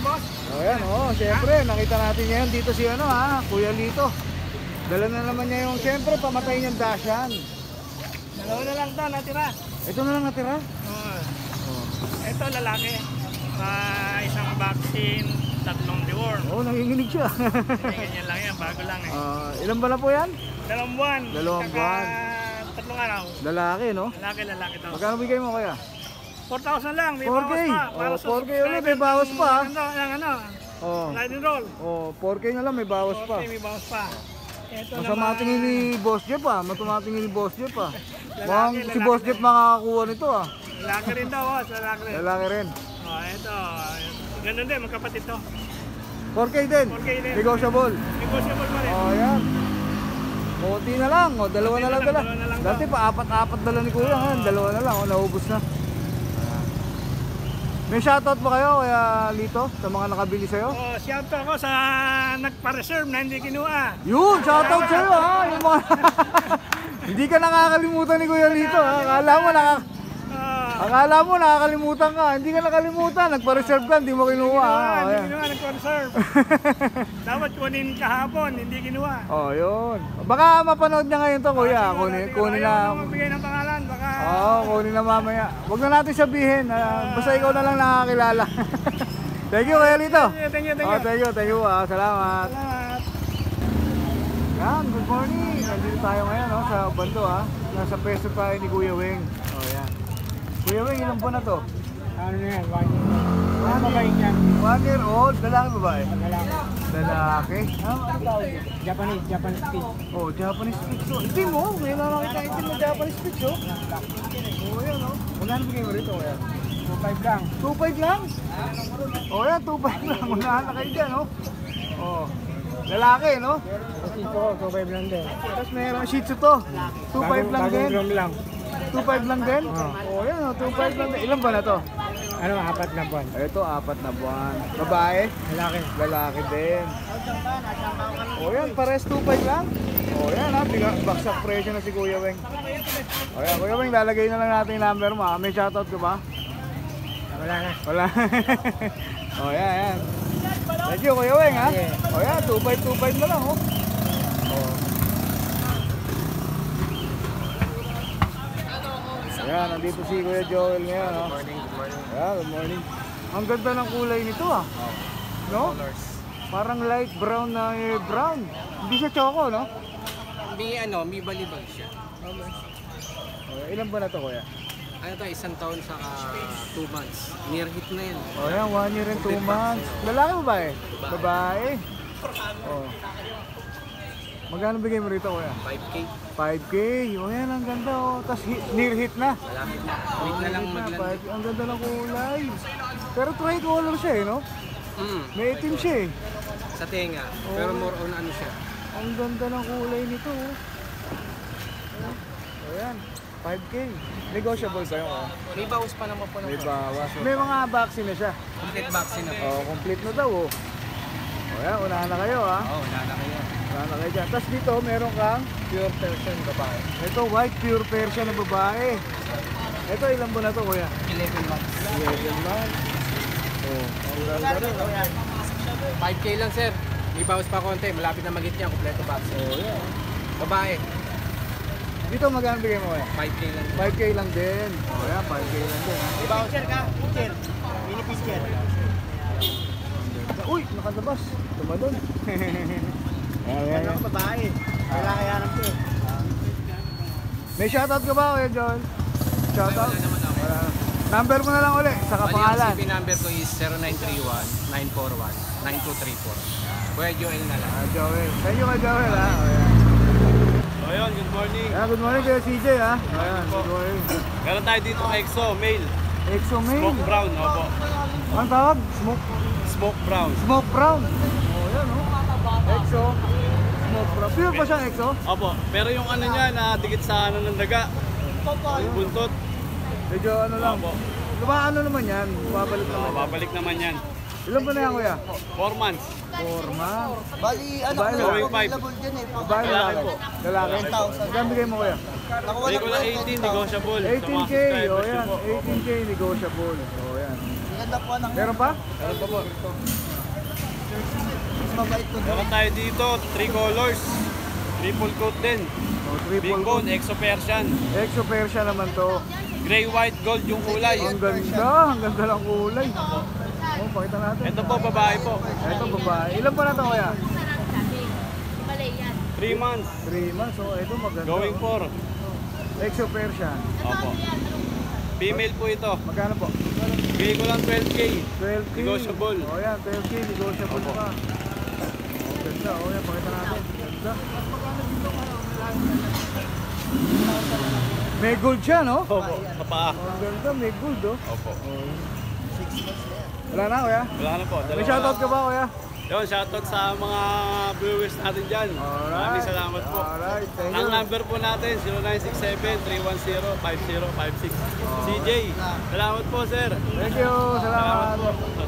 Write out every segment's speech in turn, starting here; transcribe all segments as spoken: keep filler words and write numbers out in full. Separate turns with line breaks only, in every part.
boss.
O yan, o. Siyempre, nakita natin ngayon dito si ano ha, Kuya Lito. Dala na naman niya yung, siyempre, pamatay niyang dasyan.
Dalawa na lang to, natira.
Ito na lang natira?
Oo.
Oh.
Ito, lalaki. Uh, isang vaccine, tatlong deworm.
Oo, oh, nanginginig siya.
Ganyan lang yan, bago lang eh.
Uh, ilan ba na po yan?
Dalawang buwan.
Dalawang
Saka,
buwan.
Tatlong araw.
Lalaki, no?
Lalaki, lalaki to.
Magkano bigay mo kaya?
four thousand lang, may
four K.
bawas pa.
Oh, four K ulit, may bawas pa.
Ano, yung ano,
Oh.
slide and roll.
Oh, four K na lang, may bawas pa.
four K, may bawas pa. Ito
Masama
naman,
tingin ni Boss Jeff ah, matumatingin ni Boss Jeff ah.
Lalaki,
Mukhang si
lalaki
Boss
din.
Jeff makakakuha nito ah.
lalaki rin daw, boss, lalaki rin.
Lalaki rin.
Oh, ito. Ganun din, magkapatid to.
four K din.
four K din.
Negotiable.
Negotiable pa rin.
Oh, yan. Konti na lang, oh, dalawa
Konti
na
na
lang
lang,
dala.
dalawa na lang
Dati
daw.
pa apat-apat dala ni Kuya, ngayon dalawa na lang, oh, naubos na. May shoutout ba kayo kaya Lito sa mga nakabili sa'yo?
Oh, shout out ako sa nagpa-reserve na hindi kinuha.
Yun, shoutout sa'yo ha. Yung mga... Hindi ka nakakalimutan ni Kuya Lito ha. Akala mo nakak...
Ah,
Akala mo nakakalimutan ka. Hindi ka nakalimutan. Nagpa-reserve ka, hindi mo kinuha.
kinuha,
ha?
hindi
Ayan.
kinuha, nagpa-reserve. Dapat kunin kahapon, hindi kinuha.
Oh, yun. Baka mapanood niya ngayon to, Kuya.
Siguro,
Kunin,
siguro,
kunin
ayaw
na.
mo magbigay ng pangalan, baka...
Oo, oh, kunin na mamaya. Huwag na natin sabihin. ah, basta ikaw na lang nakakilala. Thank you, Kuya Lito.
Thank you, thank you, thank
Oh,
you.
thank you, thank you. ah. Salamat.
Salamat.
Yan, good morning. Nandito tayo ngayon no, sa Bando ha. Nasa peso tayo ni Kuya Weng. Oh, yan. Kuya Weng, ilang buwan na to?
Ano na yan, one year. Ano ba yan?
One year old, lalaki babae?
Lalaki.
Lalaki. Ah, ano tawag yun?
Japanese, Japanese speed.
Oh, Japanese Spitz. Oh, itim mo, may nakakita itim na Japanese Spitz oh. Oh, yan oh. Wala na bigay mo rito, kuya.
two five lang.
two five lang? Oh, yan, two five lang. Unahan na kayo dyan, oh. Oh. Lalaki, no?
Kasi ito, two five lang din.
Tapos mayroong Shih Tzu to. two five lang din.
Bagong drum lang.
two five lang din? Oh, yan oh, two five lang din. Ilan ba na to?
Ano, apat na buwan.
Ito, apat na buwan. Babae?
Lalaki.
Lalaki din. O yan, pares two five lang. O yan ha, biga, baksak presyo na si Kuya Weng. O yan, Kuya Weng, lalagay na lang natin yung number mo ha. May shoutout ka ba?
Wala na.
Wala. O yan, yan. Thank you Kuya Weng ha. O yan, two five two five na lang oh. O. Ayan, nandito si Kuya Joel ngayon ha. Good morning, good morning. Ayan, good morning. Ang ganda ng kulay nito ah. No? Parang light brown na eh, brown. Hindi siya choco, no?
May ano, may balibag siya.
Okay. Ilan ba na to, Kuya?
Ano to, isang taon sa two months. Near hit na yan.
O yan, one year and two months. Lalaki ba eh? Babae. O. Magkano bigay mo rito, Kuya?
five K.
five K. O yan, ang ganda oh. Tapos hit, near hit na.
Malapit na. Wait na lang maglan.
five K. Ang ganda ng kulay. Pero tricolor siya eh, no?
Mm,
May itim siya eh.
sa tenga. Pero more on ano siya.
Ang ganda ng kulay nito oh. O yan, five K. Negotiable ba yung oh?
May bawas pa naman po ng
May bawas. May mga vaccine na siya.
complete vaccine na po.
Oh, complete na daw oh. O yan, unahan na kayo ha.
Oo, oh, wala na kayo.
Unahan na kayo dyan. Tapos dito, meron kang
Pure Persian babae.
ito, white pure Persian na babae. Ito, ilan buwan na to kuya?
eleven months.
eleven months. Oh, ang ganda rin.
five K lang sir. May bawas pa konti. Malapit na mag-hit niya. Kompleto vaccine.
Oh, yeah.
Babae.
Dito magkano bigay mo kuya?
five K lang.
five K lang din. Oh, yeah, five K lang din.
May voucher ka? Pitcher. Mini pitcher.
Uy, nakalabas. Tumalon. Ayan, ayan, ayan.
Babae. Kailangan yan ang to.
May shoutout ka ba kuya John? Shoutout?
Wala naman ako.
Wala. Number mo na lang ulit, saka
Bali, ang
pangalan.
C P number ko is zero nine three one, nine four one, nine two three four. Kuya Joel na lang.
Ah, Joel. Thank you kay Joel ha. Oh, yeah.
So yun, good morning.
Yeah, good morning kay C J ha. Ayan, good morning.
Meron tayo dito Exo, male.
Exo mail.
Smoke brown, opo.
Ang tawag? Smoke,
Smoke brown.
smoke brown. Oh, yan oh. Exo. Smoke brown. Pure pa siyang Exo?
Opo, pero yung ano niya, nadikit sa ano ng daga. Yung buntot.
Medyo ano lang.
Opo.
Diba ano naman yan? Babalik
So,
naman yan.
babalik naman yan.
Ilan ba na yan, kuya?
four months.
four months.
Bali, ano
Babae
na
na.
lang
Going five.
available dyan eh. Pag-
Babae lalaki.
po.
Lalaki.
ten thousand.
Magkano bigay mo, kuya?
Nakuha
Bigay
na
ko
po
na
yung
eighteen,
ten thousand.
negotiable. Sa
eighteen
mga
K, o
subscribers
yan.
ko po.
eighteen K negotiable. O yan.
Ganda po anak.
Meron pa?
Meron pa po.
Mas mabait to.
Meron tayo dito, three colors. Triple coat din.
O,
Big
triple
bone, Exo Persian.
Exo Persia naman to.
Gray, white, gold yung kulay.
Ang ganda. Ang ganda ng kulay. O, pakita natin.
Ito po, babae po.
Ito, babae. Ilan pa na to, kuya?
three months.
three months. O, ito maganda.
Going
o.
for.
Exo Persia.
Opo. Female po ito.
Magkano po?
Bigay ko lang twelve K.
twelve K.
Negotiable.
O yan, twelve K. Negotiable pa. O, ganda. O yan, pakita natin. Ganda. May gold siya, no?
Opo. Sa paa.
O, ang ganda. May gold, oh.
Opo.
Wala na, kuya?
Wala na po.
May
Dalawa
shoutout
na.
ka ba, kuya?
Yun, shoutout sa mga viewers natin dyan. Maraming salamat po.
Alright, thank
Ang
you.
number po natin, zero nine six seven, three one zero, five zero five six. C J, salamat po sir.
Thank you.
Salamat
Salamat.
po.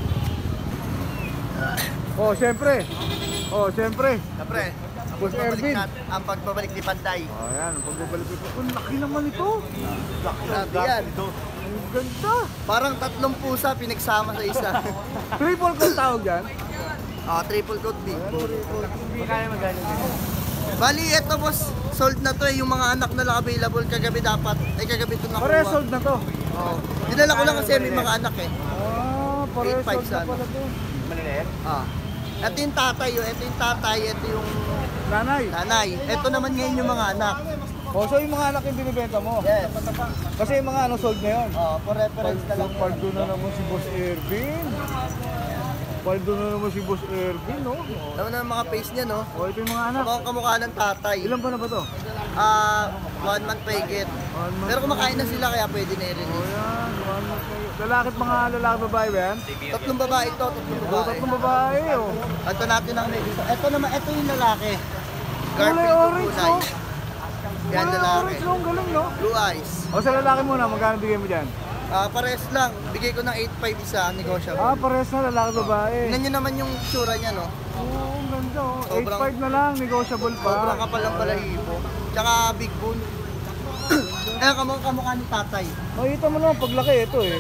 Oh, siyempre. Oh, siyempre.
Siyempre, ang
Boss
pagbabalik
Ervin.
nat- ang pagbabalik ni Panday.
Oh, yan. Ang pagbabalik ito. Ang laki naman ito.
Grabe yan.
Ang ganda.
Parang tatlong pusa pinagsama sa isa.
Triple coat tawag dyan.
Ah, triple coat big bone.
Magkaya magkano dito?
Bali, eto boss, sold na to eh. Yung mga anak na lang available kagabi dapat. Ay, kagabi ito nakuha.
Pare, sold na to.
Oo. Dinala ko lang kasi may mga anak eh.
Ah, pare,
eight five
sold na
sana.
pala to.
Ah. Ito yung tatay, oh. Ito yung tatay, ito yung
Nanay.
nanay. Ito naman ngayon yung mga anak.
Oh, so yung mga anak yung binibenta mo?
Yes.
Kasi yung mga ano, sold na yun.
Oh, for reference na lang.
Paldo na naman si Boss Ervin. Paldo na naman si Boss Ervin, no? Oh,
Naman ang mga face niya, no?
oh ito yung mga anak.
Mukhang kamukha ng tatay.
Ilan ba na ba to?
Ah, one month paigit.
One month.
Pero kumakain na sila kaya pwede na
Oh,
i-release.
yan. One month kayo. Lalaki at mga lalaki babae ba yan?
Tatlong babae ito, tatlong
Oh,
babae.
tatlong babae, oh.
Ito natin ang medyo. Ito naman, ito yung lalaki.
Kulay
Garfield
orange,
kulay.
no?
Yan
Kulay
lalaki.
orange, no? Ang galing, no?
Blue eyes.
O, sa lalaki muna, magkano bigay mo dyan?
Ah, pares lang. Bigay ko ng eight five isa, negotiable.
Ah, pares na lalaki babae.
Tingnan nyo naman yung tsura niya, no?
Oo, ang ganda, oh. eight
Sobrang-
five na lang, negotiable pa.
Sobrang kapal ng balahibo. Tsaka big bone. Eh, kamukha kamukha ni tatay.
Makita mo naman, paglaki ito eh.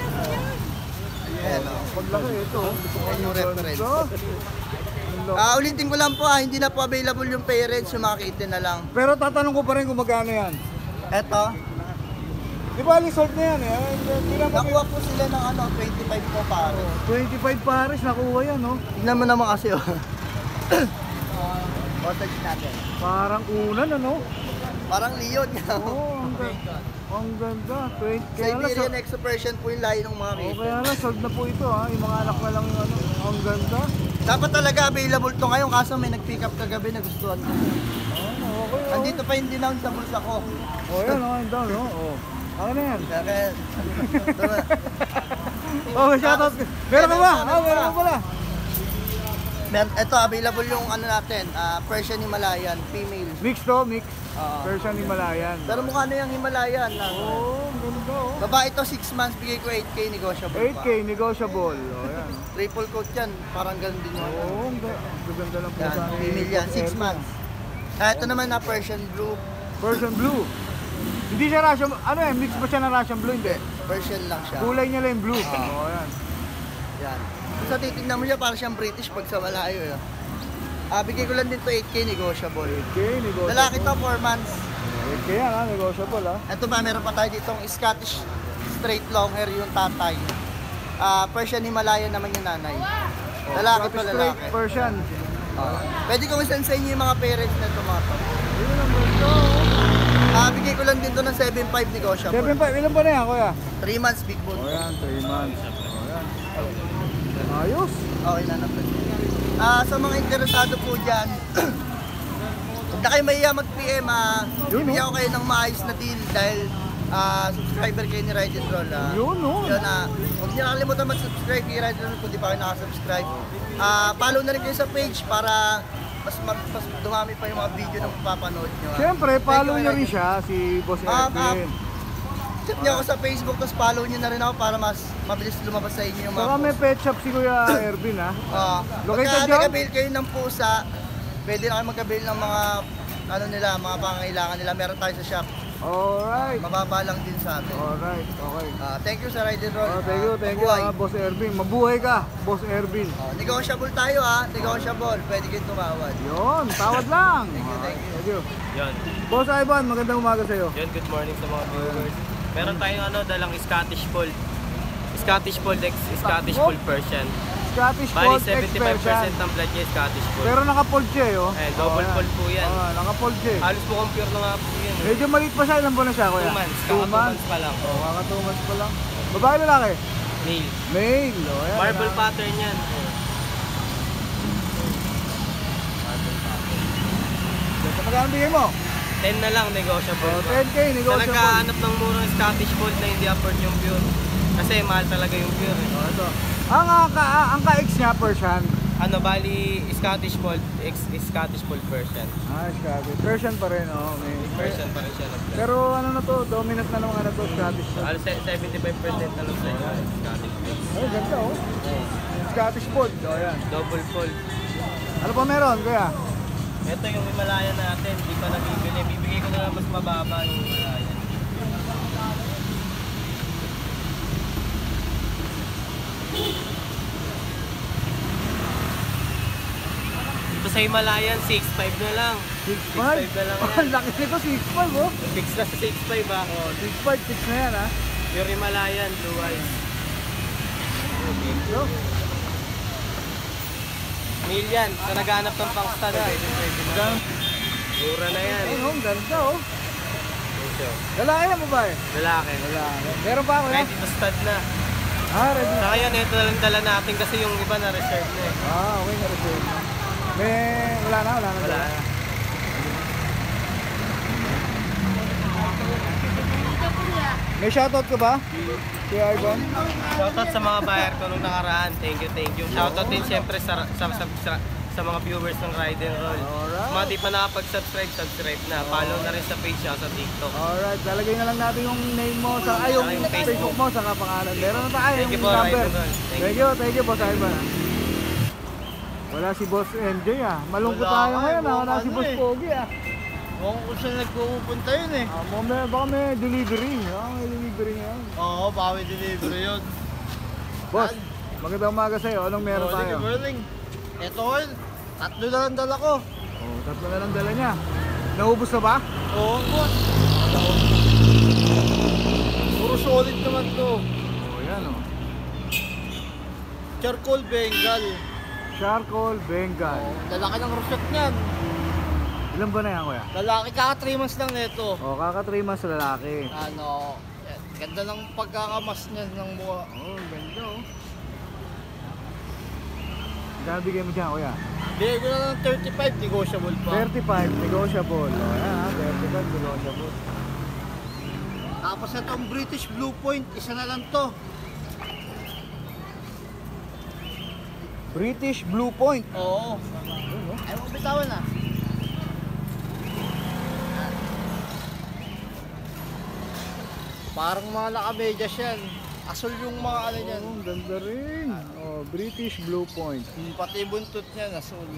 Ayan, oh.
Paglaki ito.
Ayan yung reference.
Ganda.
Ah, ulitin ko lang po ah, hindi na po available yung parents, yung mga kitten na lang.
Pero tatanong ko pa rin kung magkano yan.
Eto,
Di ba, sold na yan eh. Hindi na ba
nakuha po sila ng ano, twenty-five po pare.
twenty-five pares, nakuha yan, no?
Tignan mo naman kasi oh. Cottage natin.
Parang unan, ano?
Parang leon nga.
Oo, oh, ang ganda. Ang ganda. twenty, kaya lang,
Siberian
so-
Exo Persian po yung lahi ng mga
oh,
kitten.
kaya lang, sold na po ito ha. Yung mga anak na lang yung ano. Ang ganda.
Dapat talaga available to ngayon kaso may nag-pick up kagabi na gustuhan ko.
Oh, okay, oh.
Andito pa yung dinown sa bulsa ko.
Oh, yan, oh, ang down, oh. Oh. Ano na yan?
Kaya, tama.
Oh, may shoutout. Meron ka ba? Oh, meron ka pala.
Mer- Ito, available yung ano natin, ah, Persian Himalayan, female.
Mix to, mix.
Oo.
Persian Himalayan.
Pero mukha na yung Himalayan. Na,
Oh, ang ganda, oh.
babae to six months, bigay ko eight K, negotiable
eight
pa.
K, negotiable. Oh, yan.
Triple coat yan, parang ganun din yung ano.
Oh, ang ga- ang ganda lang po
Yan,
sa
female yan, six months. Ah, ito naman na Persian Blue,
Persian blue. Hindi siya Russian, ano eh, mix ba siya ng Russian blue? Hindi.
Persian lang siya.
Kulay niya lang yung blue.
Ah.
Oh, yan.
Yan. Kung sa titignan mo siya, parang siyang British pag sa malayo. Eh. Ah, bigay ko lang din to eight K, negotiable.
eight K, negotiable.
Lalaki to, four months.
eight K yan ha, negotiable ha.
Ito ba, meron pa tayo ditong Scottish straight long hair yung tatay. Ah, Persian Himalayan naman yung nanay. Lalaki to,
Straight
lalaki.
Persian.
Ah. Pwede kong isend sa inyo yung mga parents na ito mga to.
Yun ang ganda.
Ah, bigay ko lang din to ng seven five negotiable.
seven five, ilan ba na yan kuya?
three months big bone.
Oh yan, three months. Oh yan. Ayos.
Okay na naman. Ah, sa mga interesado po dyan, huwag na kayo mahiya mag-P M, ah.
Yun,
Bibigyan ko kayo ng maayos na deal dahil ah, subscriber kayo ni Ride and Roll. Ah.
Yun oh.
Yun, ah, huwag niyo nakalimutan mag-subscribe kay Ride and Roll kung di pa kayo nakasubscribe. Ah, follow na rin kayo sa page para mas, mag, mas dumami pa yung mga video na mapapanood nyo. ah.
Siyempre,
Thank
follow
you,
nyo
Ride
rin
and-
siya, si Boss
Ah, ah,
Ervin.
Check niyo ako sa Facebook, tapos follow niyo na rin ako para mas mabilis lumabas sa inyo yung mga
Saka may
post.
pet shop si Kuya Ervin ha.
Ah,
Located
pagka
dyan?
nag-avail kayo ng pusa, pwede na kayo mag-avail ng mga ano nila, mga pangangailangan nila. Meron tayo sa shop.
Alright.
Mababa lang din sa atin.
Alright, okay.
Ah, thank you sa Ride and Roll.
Oh, thank you,
Ah,
thank you
mabuhay.
ha, Boss Ervin. Mabuhay ka, Boss Ervin.
Oh, negotiable tayo ha, negotiable. Pwede kayong tumawad.
Yun, tawad lang.
Thank you, thank you.
Thank you.
Yun.
Boss Ivan, magandang umaga sa'yo.
Yun, good morning sa mga viewers. Meron tayong ano, dalang Scottish Fold. Scottish Fold X, Scottish Fold Persian.
Scottish
Bali,
Fold
seventy-five percent
X-Persian.
ng blood niya Scottish Fold.
Pero naka-fold siya eh, oh.
Eh, double
Oh,
fold po yan.
Oh, naka-fold siya eh.
Halos po compare na nga po yan. eh.
Medyo maliit pa siya, ilan buwan na siya, kuya?
Two months,
Two
kaka two months pa lang.
Oh, kaka two months pa lang. Babae lalaki?
Male.
Male, oh. Ayan,
Marble
na-
pattern yan.
Ganda, magkano bigay mo?
ten na lang, negotiable.
Oh,
pa.
ten K,
Sa
negotiable.
nagkahanap ng murang Scottish Fold na hindi afford yung pure. Kasi mahal talaga yung pure. eh.
Oh, ito. Ang, ang, ka, ang ka-X niya, Persian.
Ano, bali, Scottish Fold, X is Scottish Fold Persian.
Ah, Scottish. Persian pa rin, oh. May,
Persian pa rin siya ng blood.
Pero ano na to, dominant na naman ano to, Scottish.
Halos se- seventy-five percent na lang sa inyo, Scottish Fold.
Oh, ganda oh. Scottish Fold, oh yan.
Double fold.
Ano pa meron, kuya?
Ito yung Himalaya natin, hindi pa nabibili. Bibigay ko na lang mas mababa yung Himalaya. Ito sa Himalayan, six five na lang.
six
six
five?
five na lang
Oh,
yan.
ang laki nito, six five oh.
Fix na sa six five ah.
Oh, six five, six na yan ah.
Pure Himalayan, blue eyes.
So,
Million, sa naghanap ng pangsta na. Mura na yan.
ayun oh, ang ganda oh.
Ito.
Lalaki na babae?
Lalaki.
Lalaki. Meron pa ako yan?
Kahit ito stud na.
Ah, ready.
Saka yan, ito na lang dala natin kasi yung iba na reserve na eh.
Ah, okay na reserve na. May, wala na, wala na.
Wala.
May shoutout ka ba? Kuya Ivan?
Shoutout sa mga buyer ko nung nakaraan. Thank you, thank you. Shoutout din siyempre sa, sa, sa, sa, sa mga viewers ng Ride and Roll.
Alright.
Mga di pa nakapag-subscribe, subscribe na. Follow na rin sa page siya sa TikTok.
Alright, lalagay na lang natin yung name mo sa ay yung
Saka yung
Facebook.
Facebook
mo sa pangalan. Meron na tayo
Thank
yung
you po,
number.
Ride and Roll. Thank
Thank you, thank you Boss Ivan. ah. Wala si Boss M J ah. Malungkot
Wala
tayo
nga,
ngayon ah. Wala
ano
si Boss
eh.
Pogi ah.
Mukhang kung saan nagpupunta yun eh.
Ah, mo may baka may delivery. Ah, may delivery ngayon.
Oo, baka may delivery yun.
Boss, magandang umaga sa'yo. Anong meron
Morning,
tayo?
good morning. Ito oil, tatlo na lang dala ko.
Oh, tatlo na lang dala niya. Naubos na ba?
Oo, boss. Puro solid naman to.
Oh, yan oh.
Charcoal Bengal.
Charcoal Bengal.
Lalaki ng rosette niyan.
Ilan ba na yan, kuya?
Lalaki, kaka three months lang nito.
Oh, kaka three months sa lalaki.
Ano, eh, ganda ng pagkakamas niya ng mukha.
Oh, ganda oh. Magkano bigay mo dyan, kuya?
Bigay ko na lang thirty-five, negotiable pa.
thirty-five, negotiable. Oh, yan ha, thirty-five, negotiable.
Tapos itong British Blue Point, isa na lang to.
British Blue Point.
Oo. Ay, mo bitawan na. Parang mga nakamedyas yan. Asol yung mga ano yan.
Oh, ang ganda rin. Oh, British Blue Point.
Hmm, pati buntot niya, asol.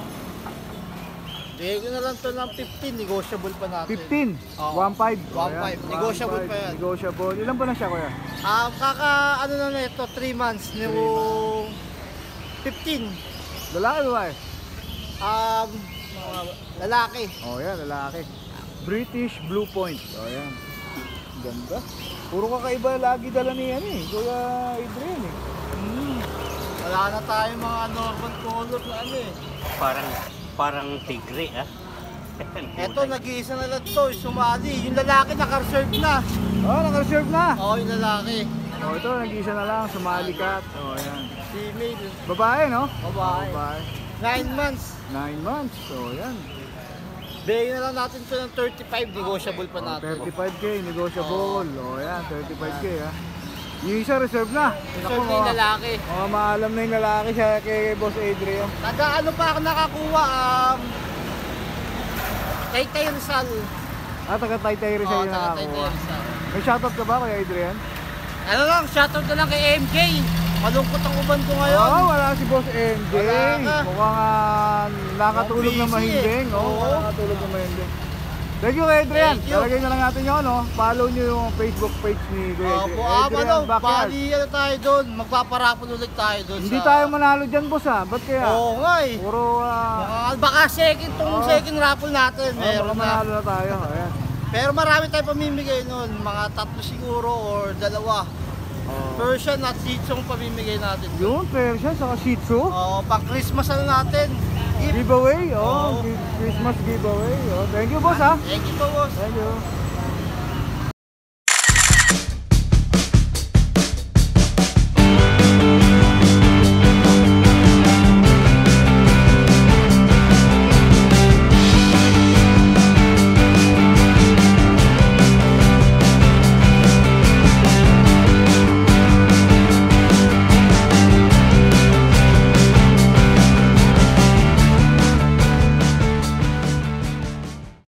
Bigay ko na lang to ng fifteen, negotiable pa natin.
fifteen.
Oo.
one five.
one five. Negotiable pa yan.
Negotiable. Ilan ba na siya, kuya?
Um, kaka, ano na na ito, three months, yung fifteen.
Lalaki ba eh?
Um, mga lalaki.
Oh, yan, lalaki. British Blue Point. Oh, yan. Ganda. Puro kakaiba lagi dala ni yan eh. Kuya Adrian eh.
Hmm. Wala na tayo mga normal color na ano eh.
Parang parang tigre ah.
Eto, nag-iisa na lang to, sumali. Yung lalaki naka-reserve na.
Oh, naka-reserve na.
Oo, yung lalaki.
Oh, ito, nag-isa na lang. Sumali cat. Oh, yan.
Female.
Babae, no?
Babae.
Babae.
Nine months.
Nine months. So, yan.
Bigay na lang natin ito ng thirty-five, negotiable pa
Oh,
natin.
thirty-five K, negotiable. Oh, yan, thirty-five K ha. Yung isa reserve na.
Reserve na yung lalaki.
Oh, maalam na yung lalaki siya kay Boss Adrian.
Taga ano pa ako nakakuha, um, Taytay Rizal.
Ah, taga Taytay rin
Oo,
siya yung
taga Taytay
nakakuha.
Rizal.
May shoutout ka ba Kuya Adrian?
Ano lang, shoutout na lang kay M K. Malungkot ang uban ko ngayon.
Oo, wala si Boss M J.
Wala ka.
Mukhang uh, nakatulog
Mukhang
na
busy
mahinding.
eh.
Oo,
Oo.
nakatulog na mahinding. Thank you Kuya Adrian.
Thank you.
Talagay na lang natin yun, no? Follow nyo yung Facebook page ni Kuya
Opo,
Adrian.
ah, ano,
Backyard.
bali ano tayo doon, magpaparapon ulit tayo doon
Hindi
sa...
tayo manalo dyan, boss ha? Ba't kaya?
Oo nga eh.
Puro, ah,
Ah, baka second tong
Oo.
second raffle natin,
oh, baka
meron na.
manalo na tayo. Ayan.
Pero marami tayong pamimigay noon, mga tatlo siguro or dalawa.
Oh.
Persian at Shih Tzu ang pamimigay natin.
Yun, Persian, saka Shih Tzu.
Oo, pang Christmas ano natin. Gift.
Giveaway, oh,
Oo.
gi- Christmas giveaway. Oh, thank you, boss ha.
Thank you po, boss.
Thank you.